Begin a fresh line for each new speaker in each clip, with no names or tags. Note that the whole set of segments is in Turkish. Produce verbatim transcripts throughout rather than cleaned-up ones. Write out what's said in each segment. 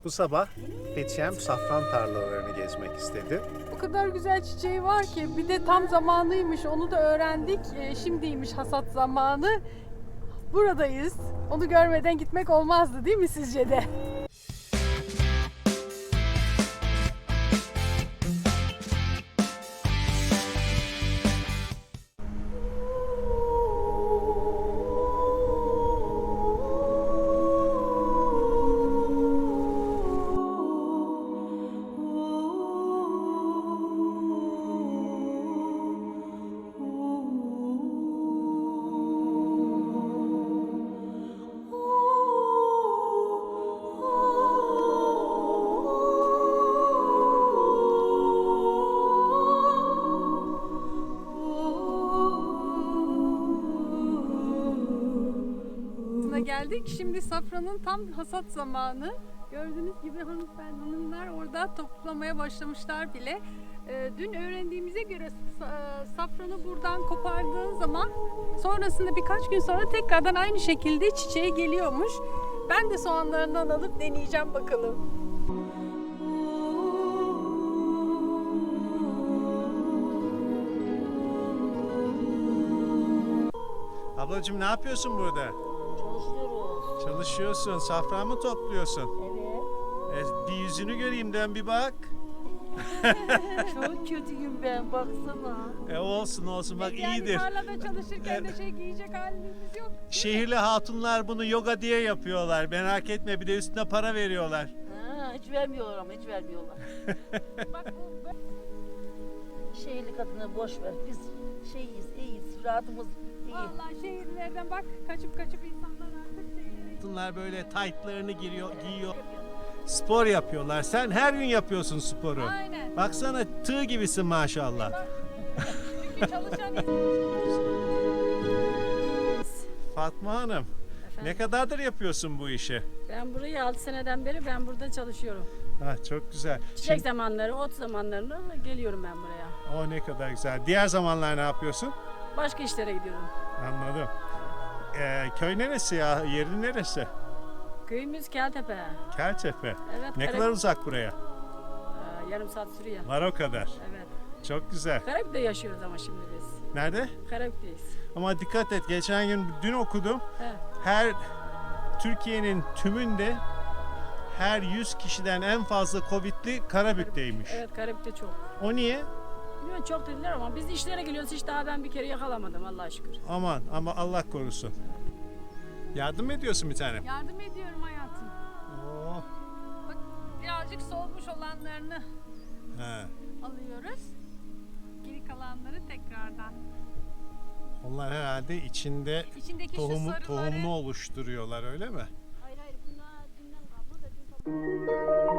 Bu sabah Fethiye'm safran tarlalarını gezmek istedi.
O kadar güzel çiçeği var ki bir de tam zamanıymış, onu da öğrendik. E, şimdiymiş hasat zamanı. Buradayız. Onu görmeden gitmek olmazdı değil mi sizce de? Geldik. Şimdi safranın tam hasat zamanı. Gördüğünüz gibi hanımefendi, hanımlar orada toplamaya başlamışlar bile. Ee, dün öğrendiğimize göre safranı buradan kopardığın zaman sonrasında birkaç gün sonra tekrardan aynı şekilde çiçeğe geliyormuş. Ben de soğanlarından alıp deneyeceğim bakalım.
Ablacığım ne yapıyorsun burada?
Çalışıyoruz.
Çalışıyorsun. Safran mı topluyorsun?
Evet.
E, bir yüzünü göreyim, dön bir bak.
Çok kötüyüm ben, baksana.
E olsun olsun bak,
yani
iyidir.
tarlada çalışırken de şey giyecek halimiz yok.
Şehirli hatunlar bunu yoga diye yapıyorlar. Merak etme, bir de üstüne para veriyorlar.
Ha, hiç vermiyorlar ama hiç vermiyorlar.
Bak bu
Şehirli kadını boş ver. Biz şeyiz, iyiyiz, rahatımız iyi.
vallahi şehirlerden bak kaçıp kaçıp insanlar artık şehirlere.
Hatunlar böyle taytlarını giriyor, giyiyor. Spor yapıyorlar. Sen her gün yapıyorsun sporu.
Aynen.
Baksana, tığ gibisin maşallah.
Çünkü çalışan
Fatma Hanım, ne kadardır yapıyorsun bu işi?
Ben burayı altı seneden beri ben burada çalışıyorum.
Ha, çok güzel.
Çiçek
Şimdi-
zamanları, ot zamanlarında geliyorum ben buraya.
O ne kadar güzel. Diğer zamanlar ne yapıyorsun?
Başka işlere gidiyorum.
Anladım. Ee, köy neresi ya? Yeri neresi?
Köyümüz Keltepe.
Keltepe.
Evet.
Ne
Karab-
kadar uzak buraya?
Aa, yarım saat sürüyor.
Var o kadar.
Evet.
Çok güzel.
Karabük'te yaşıyoruz ama şimdi biz.
Nerede?
Karabük'teyiz.
Ama dikkat et. Geçen gün, dün okudum.
He.
Her Türkiye'nin tümünde her yüz kişiden en fazla Covid'li Karabük'teymiş.
Evet, Karabük'te çok.
O niye?
Bilmiyorum, çok dediler ama biz işlere geliyoruz, hiç daha ben bir kere yakalamadım Allah'a şükür.
Aman ama Allah korusun. Yardım mı ediyorsun bir tane?
yardım ediyorum hayatım.
Oo.
Bak birazcık solmuş olanlarını
He.
alıyoruz. Geri kalanları tekrardan.
Onlar herhalde içinde
İçindeki şu
tohumu,
sarıları
tohumunu oluşturuyorlar, öyle mi?
Hayır hayır, bunlar dünden kalma da dün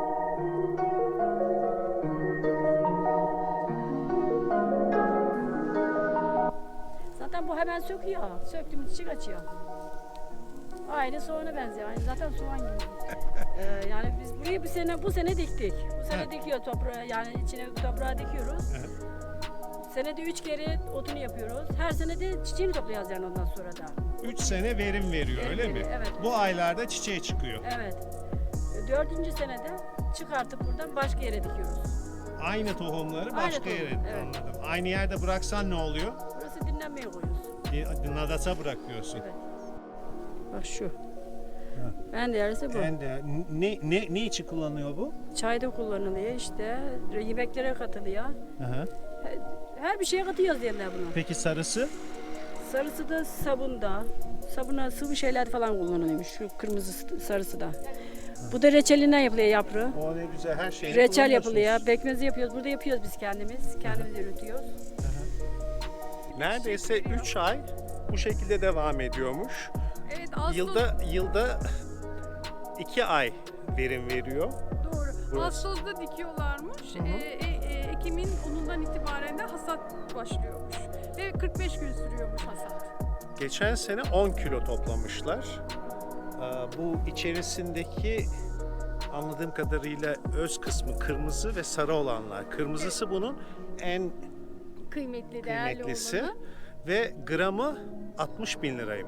Zaten bu hemen söküyor. Söktüğümüz çiçek açıyor. Aynı soğana benziyor. Aynı zaten soğan gibi. Ee, yani biz burayı bu sene bu sene diktik. Bu sene
Evet.
dikiyor toprağı, yani içine toprağı dikiyoruz.
Evet.
Senede üç kere otunu yapıyoruz. Her sene de çiçeğini toplayacağız yani ondan sonra da.
üç sene verim veriyor,
Verim
öyle mi?
veriyor, evet.
Bu aylarda çiçeği çıkıyor.
Evet. Dördüncü senede çıkartıp buradan başka yere dikiyoruz.
Aynı tohumları
Aynı
başka
tohum,
yere,
evet.
anladım. Aynı yerde bıraksan ne oluyor?
Burası dinlenmeye koyuyoruz.
Bir Nadasa bırakıyorsun.
Evet. Bak şu. Ben de yarısı bu.
Ben de ne ne ne için kullanıyor bu?
Çayda kullanılıyor işte. Yemeklere katılıyor.
Hı hı.
Her bir şeye katıyoruz diyorlar bunu.
Peki sarısı?
Sarısı da sabunda. Sabuna sıvı şeyler falan kullanılıyormuş. Şu kırmızı sarısı da. Bu da reçelinden yapılıyor yaprağı.
O ne güzel, her şeyi
Reçel yapılıyor. Bekmezi yapıyoruz. Burada yapıyoruz biz kendimiz. Kendimiz üretiyoruz.
Neredeyse üç ay bu şekilde devam ediyormuş.
evet Ağustos
Yılda yılda iki ay verim veriyor.
doğru.
Burası.
Ağustos'ta dikiyorlarmış.
Hı hı.
Ee, e, e, Ekim'in onundan itibaren de hasat başlıyormuş. Ve kırk beş gün sürüyormuş hasat.
Geçen sene on kilo toplamışlar. Aa, Bu içerisindeki anladığım kadarıyla öz kısmı kırmızı ve sarı olanlar. Kırmızısı bunun en
Kıymetli, değerli
kıymetlisi
olanı.
ve gramı altmış bin liraymış.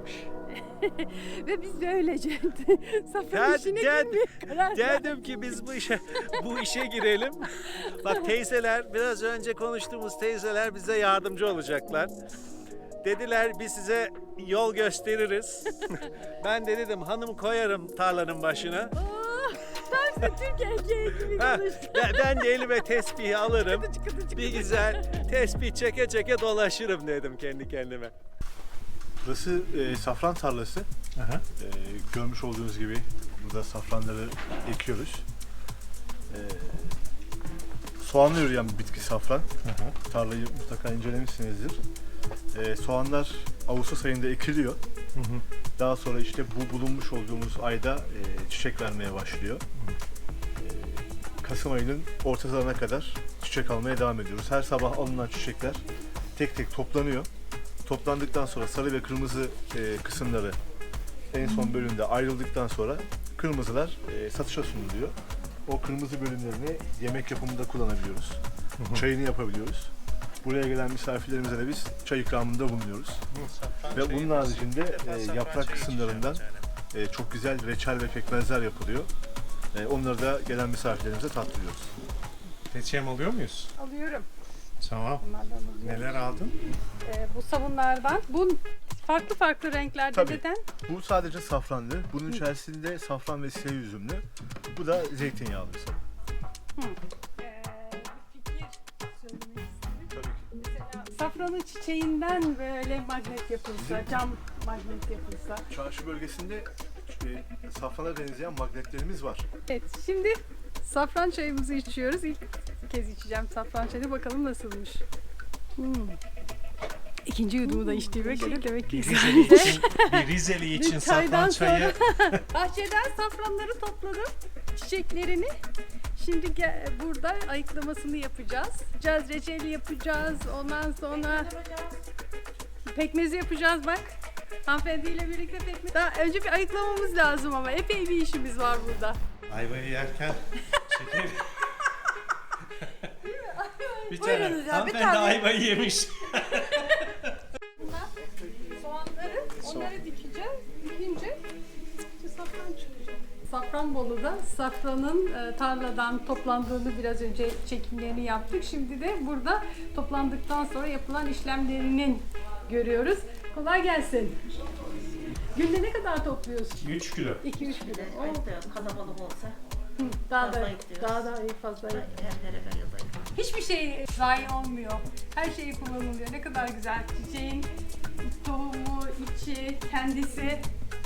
Ve biz de öylece safran
Ded-
işine
ded-
girmeye karar verdik.
Dedim ki biz bu işe bu işe girelim. Bak teyzeler, biraz önce konuştuğumuz teyzeler bize yardımcı olacaklar. Dediler biz size yol gösteririz. Ben de dedim hanım koyarım tarlanın başına.
Oh, tam işte Türk erkeği gibi
Ha,
konuştu.
ben, ben de elime tespihi alırım.
Kıtıcı kıtıcı
Bir
kıtıcı.
güzel tespih çeke çeke dolaşırım dedim kendi kendime.
Burası e, safran tarlası. E, görmüş olduğunuz gibi burada safranları ekiyoruz. E, soğanla yürüyen bir bitki safran. Tarlayı mutlaka incelemişsinizdir. E, soğanlar Ağustos ayında ekiliyor. Daha sonra işte bu bulunmuş olduğumuz ayda e, çiçek vermeye başlıyor. E, Kasım ayının ortalarına kadar çiçek almaya devam ediyoruz. Her sabah alınan çiçekler tek tek toplanıyor. Toplandıktan sonra sarı ve kırmızı e, kısımları en son bölümde ayrıldıktan sonra kırmızılar e, satışa sunuluyor. O kırmızı bölümlerini yemek yapımında kullanabiliyoruz. Çayını yapabiliyoruz. Buraya gelen misafirlerimize de biz çay ikramında bulunuyoruz. Ve bunun haricinde e, yaprak kısımlarından e, çok güzel reçel ve pekmezler yapılıyor. E, onları da gelen misafirlerimize tattırıyoruz.
Seçim alıyor muyuz?
Alıyorum.
Tamam.
Bunlardan alıyorum.
Neler aldın?
Ee, bu sabunlardan. Bu farklı farklı renklerde
Tabii.
neden?
Bu sadece safranlı. Bunun içerisinde safran ve siyah üzümlü. Bu da zeytinyağlı sabun.
Ee, bir fikir söylemek istedim.
Tabii ki.
Mesela safranın çiçeğinden böyle magnet yapılsa, cam magnet yapılsa.
Çarşı bölgesinde e, safrana benzeyen magnetlerimiz var.
Evet, şimdi safran çayımızı içiyoruz. İlk kez içeceğim safran çayını. Bakalım nasılmış. Hmm. İkinci yudumu da içtiğime göre demek ki
Rizeli için, bir Rizeli için
Bir çaydan
safran çayı.
bahçeden safranları topladım, çiçeklerini. Şimdi ge- burada ayıklamasını yapacağız. Yapacağız, reçeli yapacağız. Ondan sonra pekmezi yapacağız bak. Hanımefendiyle birlikte pekmez. Daha önce bir ayıklamamız lazım ama epey bir işimiz var burada.
Ayvayı yerken şeker. bir tane
Buyurunuz ya, bir
hanımefendi
tane.
ayvayı yemiş.
Soğanları, onları dikeceğiz. Dikince işte safran çıkacak. Safranbolu'da safranın e, tarladan toplandığını biraz önce çekimlerini yaptık. Şimdi de burada toplandıktan sonra yapılan işlemlerinin görüyoruz. Kolay gelsin. Günde ne kadar topluyorsun?
üç kilo.
iki üç kilo. Oo,
Ayıkta kalabalık olsa
hı, daha da
fazla gidiyoruz.
daha da iyi fazla. iyi.
her yere veriyoruz.
Hiçbir şey zayi olmuyor. Her şey kullanılıyor. Ne kadar güzel. Çiçeğin tohumu, içi, kendisi.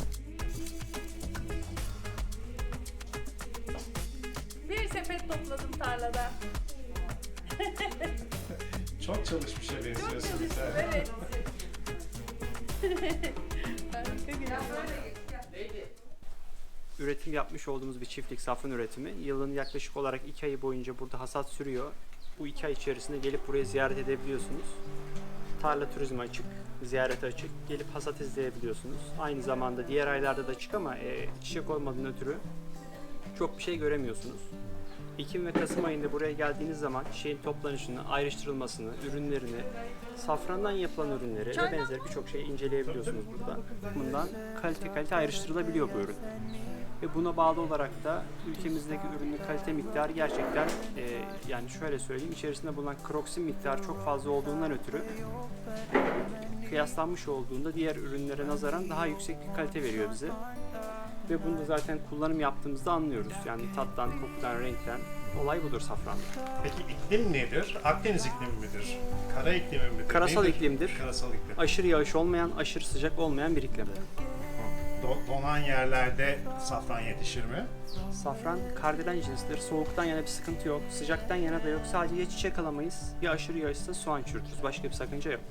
Bir sepet topladım tarlada.
Çok çalışmışa
Çok
benziyorsun.
çalıştım, evet. Harika güzel.
Üretim yapmış olduğumuz bir çiftlik safran üretimi. Yılın yaklaşık olarak iki ayı boyunca burada hasat sürüyor. Bu iki ay içerisinde gelip burayı ziyaret edebiliyorsunuz. Tarla turizmi açık, ziyarete açık. Gelip hasat izleyebiliyorsunuz. Aynı zamanda diğer aylarda da açık ama e, çiçek olmadığından ötürü çok bir şey göremiyorsunuz. Ekim ve Kasım ayında buraya geldiğiniz zaman çiçeğin toplanışını, ayrıştırılmasını, ürünlerini, safrandan yapılan ürünleri ve benzeri birçok şeyi inceleyebiliyorsunuz burada. Bundan kalite kalite ayrıştırılabiliyor bu ürün. Ve buna bağlı olarak da ülkemizdeki ürünün kalite miktarı gerçekten e, yani şöyle söyleyeyim, içerisinde bulunan kroksin miktarı çok fazla olduğundan ötürü kıyaslanmış olduğunda diğer ürünlere nazaran daha yüksek bir kalite veriyor bize. Ve bunu da zaten kullanım yaptığımızda anlıyoruz. Yani tattan, kokudan, renkten. Olay budur safranda.
Peki iklim nedir? Akdeniz iklimi midir? Kara iklimi midir?
Karasal
Nedir?
iklimdir.
Karasal iklim.
Aşırı yağış olmayan, aşırı sıcak olmayan bir iklim.
Do- donan yerlerde safran yetişir mi?
Safran kardelen cinstir. Soğuktan yana bir sıkıntı yok. Sıcaktan yana da yok. Sadece ya çiçek alamayız ya aşırı yağışsa soğan çürütürüz. Başka bir sakınca yok.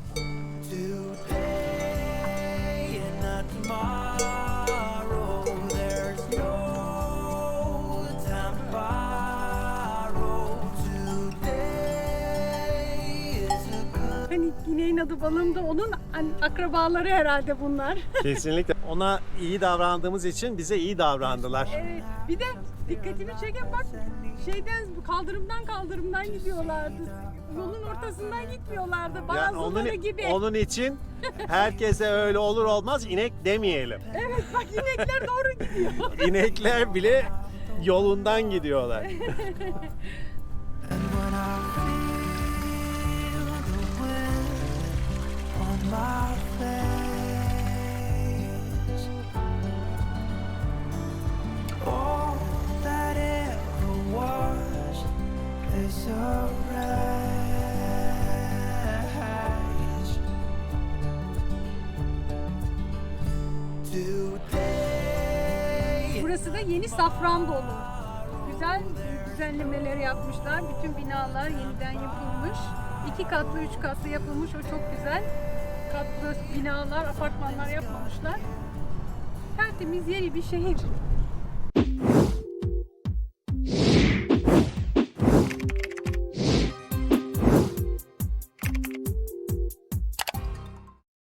Hani ineğin adı balım da onun hani akrabaları herhalde bunlar.
Kesinlikle. Ona iyi davrandığımız için bize iyi davrandılar.
Evet. Bir de Dikkatimi çeken bak şeyden kaldırımdan kaldırımdan gidiyorlardı. Yolun ortasından gitmiyorlardı.
Yani
Bazıları
onun,
gibi.
onun için herkese öyle olur olmaz inek demeyelim.
Evet bak inekler doğru gidiyor.
İnekler bile yolundan gidiyorlar.
And when I feel the wind on my face, all that ever was is a rage. Today
Burası da yeni Safranbolu. Güzel düzenlemeler yapmışlar. Bütün binalar yeniden yapılmış. İki katlı, üç katlı yapılmış. O çok güzel. Katlı binalar, apartmanlar yapmamışlar. Tertemiz yeni bir şehir.